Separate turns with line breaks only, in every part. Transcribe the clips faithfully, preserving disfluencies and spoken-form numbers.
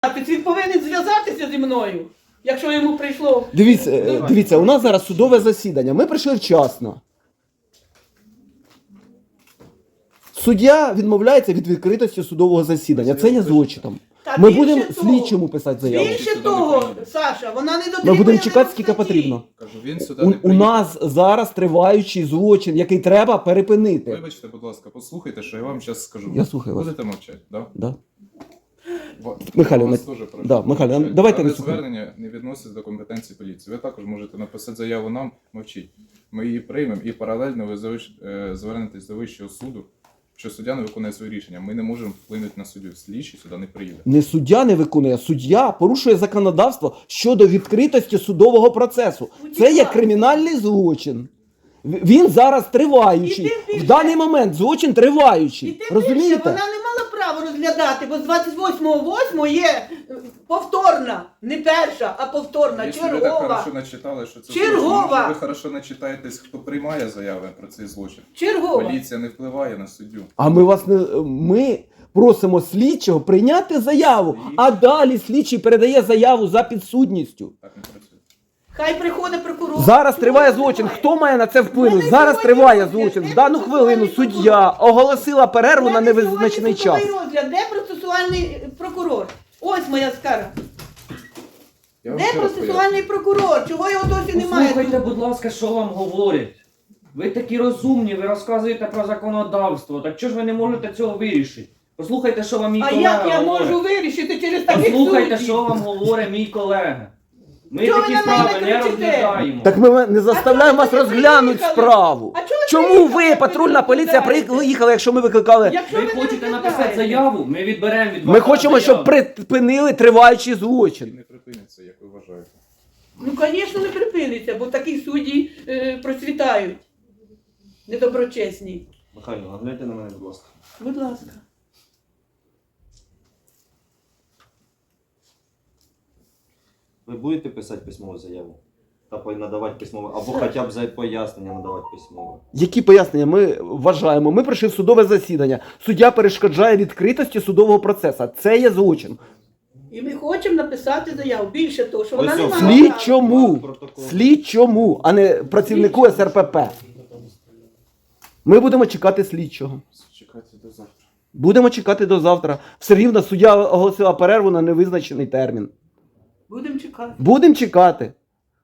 Він повинен зв'язатися зі мною, якщо йому прийшло.
Дивіться, е, дивіться, у нас зараз судове засідання. Ми прийшли вчасно. Суддя відмовляється від відкритості судового засідання. Це є злочином.
Та
Ми
більше
будемо
того-
слідчому писати заяву.
Більше того, Саша, вона не дотримує.
Ми будемо чекати,
вимог
скільки
статті.
потрібно.
Кажу, він сюди
У,
не
у
приїхав.
нас зараз триваючий злочин, який треба перепинити.
Вибачте, будь ласка, послухайте, що я вам зараз скажу.
Я слухаю вас.
Будете мовчати, да?
Да.
Ва-
Михайло,
вас
на-
теж прошу
да, Михайло,
мовчати.
давайте
Дане
не слухаємо.
звернення не відноситься до компетенції поліції. Ви також можете написати заяву нам, мовчіть. Ми її приймемо і паралельно ви завиш- е, звернетесь до Вищого суду, що суддя не виконує своє рішення. Ми не можемо вплинути на суддю. Слідчий сюди не приїде.
Не суддя не виконує, суддя порушує законодавство щодо відкритості судового процесу. Це є кримінальний злочин. В- Він зараз триваючий.
І тим більше-
В даний момент злочин
І
триваючий.
тим більше
Розумієте?
вона не мала права розглядати, бо з двадцять восьмого восьмого є е, повторна, не перша, а повторна,
Якщо ви так
чергова.
хорошо начитали, що це
Чергова.
злочин, може ви хорошо начитаєтесь, хто приймає заяви про цей злочин.
Чергова.
Поліція не впливає на суддю.
А ми вас не ми просимо слідчого прийняти заяву, а далі слідчий передає заяву за підсудністю.
Так не працює.
Хай приходить прокурор.
Зараз
Чого
триває
немає?
злочин. Хто має на це вплинути?
Мене
Зараз
сьогодні
триває
розгляд.
злочин.
Де
В дану хвилину
процесуальний
суддя оголосила перерву на
Мене
невизначений
сьогодні
час.
судовий розгляд. Де процесуальний прокурор? Ось моя скара.
Я вам
Де
ще раз
процесуальний прокурор? Чого його досі немає?
Послухайте,
тут?
будь ласка, що вам говорять. Ви такі розумні, ви розказуєте про законодавство. Так чого ж ви не можете цього вирішити? Послухайте, що вам мій
А
колега
як я
говорить.
можу вирішити через таких
Послухайте,
суддів?
що вам говорить мій колега. Ми
Чого
такі
ви на мене
справи не
кричите?
розглядаємо.
Так ми не заставляємо
А
вас
чого ви
розглянути
приїхали?
справу.
А чого ви
Чому
приїхали,
ви,
як
патрульна
ви
поліція,
розглядаєте?
приїхали, якщо ми викликали?
Якщо
Ви
не
хочете
розглядаєте?
написати заяву, ми відберемо від вас.
Ми хочемо, щоб
заяву.
припинили триваючий
І
злочин.
не припиниться, як ви вважаєте.
Ну, звісно, не припиниться, бо такі судді е, процвітають. Недоброчесні.
Михайло, нагляньте на мене, будь ласка.
Будь ласка.
Ви будете писати письмову заяву? Та по- надавати письмове, або хоча б за пояснення надавати письмове.
Які пояснення ми вважаємо? Ми прийшли в судове засідання. Суддя перешкоджає відкритості судового процесу. Це є злочин.
І ми хочемо написати заяву. Більше того, що вона
Ось
не
о,
мала
слід-
права.
Слідчому.
Протокол.
Слідчому, а не працівнику ес ер пе пе. Ми будемо чекати слідчого.
Чекайте до завтра.
Будемо чекати до завтра. Все рівно суддя оголосила перерву на невизначений термін.
Будемо чекати.
Будемо чекати.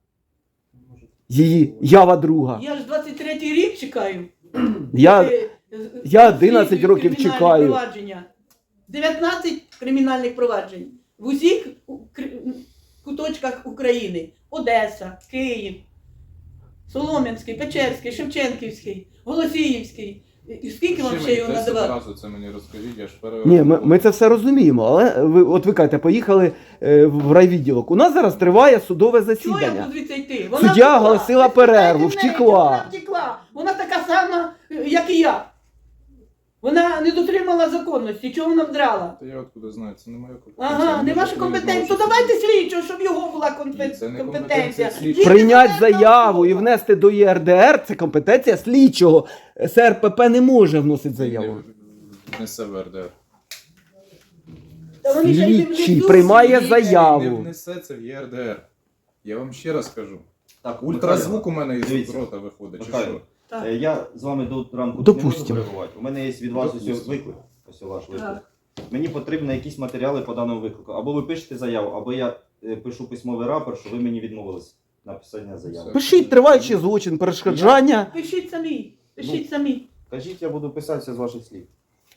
Її ява друга.
Я ж двадцять третій рік чекаю.
Я,
Е, е,
я одинадцять
розслідую
років
кримінальні
чекаю.
провадження. дев'ятнадцять кримінальних проваджень. В усіх у- кри- куточках України. Одеса, Київ, Солом'янський, Печерський, Шевченківський, Голосіївський. І скільки вам
Ще
ще
мені
його
десять
надавати?
разів це мені розкажіть, я ж пере...
Ні, ми, ми це все розуміємо, але ви, от ви кажете, поїхали е, в райвідділок. У нас зараз триває судове
Чого я
засідання.
буду звідси йти?
Суддя
втекла.
оголосила
Ви
перерву,
спитайте в неї,
втекла.
Вона втекла. Вона така сама, е, як і я. Вона не дотримала законності. Чого вона вдрала?
Та я откуда знаю, це не моя компетенція.
Ага,
Мені
не ваша
потрібно
компетенція. То
відноситися.
давайте слідчого, щоб його була компе-
Ні, це не
компетенція.
компетенція слідчого.
Він
Прийняти
компетентна
заяву і
особа.
внести до є ер де ер – це компетенція слідчого. ес ер пе пе не може вносити заяву.
Не Несе в ер де ер.
Та вони ще й не
Слідчий
внесуть.
приймає
Слідчий
заяву.
Не внесе це в є ер де ер. Я вам ще раз кажу.
Так,
Ультразвук у мене із
Дивіться.
рота виходить, чи
Михайло,
що?
Так.
е, я з вами до ранку
Допустимо.
не можу перебувати. У мене є від вас ось
Допустимо.
виклик. Ось ваш виклик.
Так.
Мені потрібні якісь матеріали по даному виклику. Або ви пишете заяву, або я е, пишу письмовий рапорт, що ви мені відмовились на писання заяви.
Пишіть триваючий злочин, перешкоджання.
Пишіть самі. Пишіть
Ну.
самі.
Кажіть, я буду писатися з ваших слів.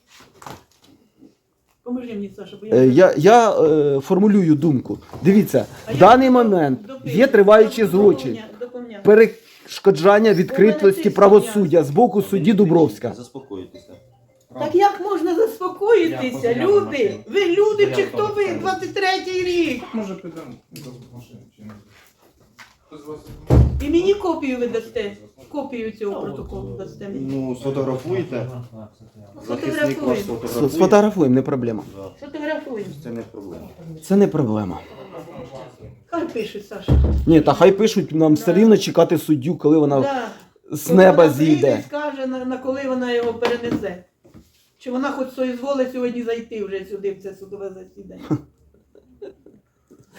Поможи мені, Саша, бо
Е, Я, я е, формулюю думку. Дивіться,
А
в
я
даний
до-
момент
допишу.
є триваючий
Доповня-
злочин.
доповня.
Перешкоджання відкритості
тиск
правосуддя з боку судді Дубровська.
Заспокойтеся.
Так як можна
Я
заспокоїтися,
позаяв
люди?
машину.
Ви люди чи
Заяву
хто
там
ви?
ставлю.
двадцять третій рік.
Може підемо до машини чи ні? Хто з вас?
І мені копію ви дасте. Копію цього протоколу дасте мені.
Ну, сфотографуйте. Захисник ваш
Фотографуємо.
сфотографує.
Сфотографуємо, не проблема.
Да,
Фотографуємо.
це не проблема.
Це не проблема.
Хай пише, Саша.
Ні, та хай пишуть, нам все рівно чекати суддю, коли вона
Да.
з
Коли
неба
вона прийде і
зійде.
скаже, на, на коли вона його перенесе. Чи вона хоч соізволить сьогодні зайти вже сюди, в це судове засідання.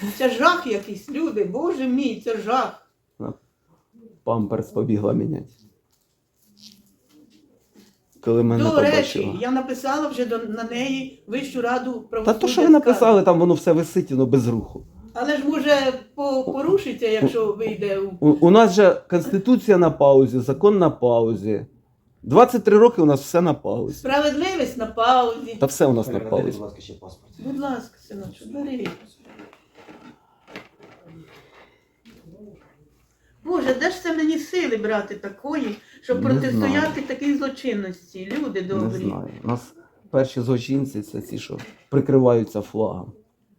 Це жах якийсь, люди, боже мій, це жах.
Памперс побігла міняти. Коли мене
До речі,
побачила.
я написала вже до, на неї Вищу раду
Та
правосуддя.
то, що ви написали, там воно все висить, воно без руху.
Але ж може по, порушиться, якщо вийде у...
У, у нас же Конституція на паузі, закон на паузі. двадцять три роки у нас все на паузі.
Справедливість на паузі.
Та все у нас на
Передайте, будь
паузі.
ласка, ще паспорт.
Будь ласка, синочку, бери. Боже, де ж це мені сили брати такої, щоб
Не
протистояти такій злочинності? Люди
Не
добрі.
знаю. У нас перші злочинці це ті, що прикриваються флагом.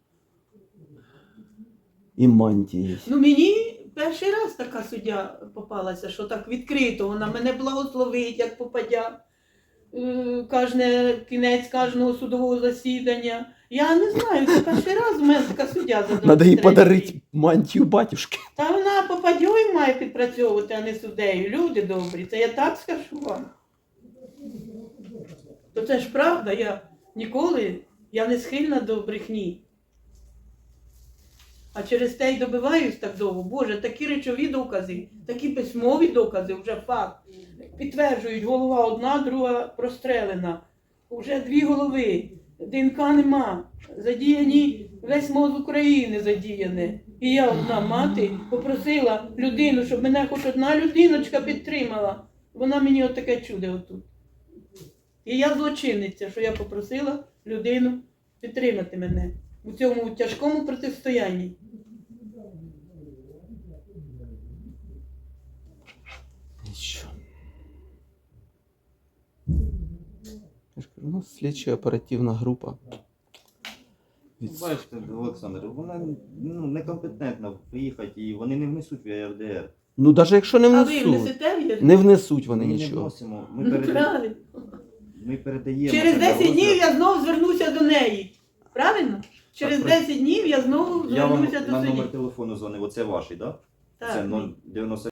І мантії.
Ну мені перший раз така суддя попалася, що так відкрито, вона мене благословить, як попадя. Е, Кожне кінець кожного судового засідання. Я не знаю, це перший раз у мене така суддя за
Треба їй
двадцять третій
подарити
рік.
мантію батюшки.
Та вона попадьою має підпрацьовувати, а не суддею. Люди добрі, це я так скажу вам. То це ж правда, я ніколи, я не схильна до брехні. А через те й добиваюсь так довго. Боже, такі речові докази, такі письмові докази, вже факт. Підтверджують, голова одна, друга прострелена. Уже дві голови, ДНК нема. Задіяні, весь мозок України задіяне. І я одна мати попросила людину, щоб мене хоч одна людиночка підтримала. Вона мені отаке чудо отут. І я злочинниця, що я попросила людину підтримати мене у цьому тяжкому протистоянні.
Нічого. Я ж кажу, у нас слідча оперативна група. Від-
Бачите, Олександр, вона ну, некомпетентна виїхати, і вони не внесуть в ЄРДР.
Ну, навіть якщо не
А ви
внесуть,
внесете в ЄРДР?
не внесуть вони
Ми не
нічого.
вносимо, ми,
Ну,
переда...
правильно.
ми передаємо.
Через
це на
десять днів
розгляд.
я знову звернуся до неї. Правильно? Через
Так,
десять днів я знову
Я вам
звернуся до
на
судді.
номер телефону дзвонив, оце ваш, так? Да? Це
Так.
нуль дев'яносто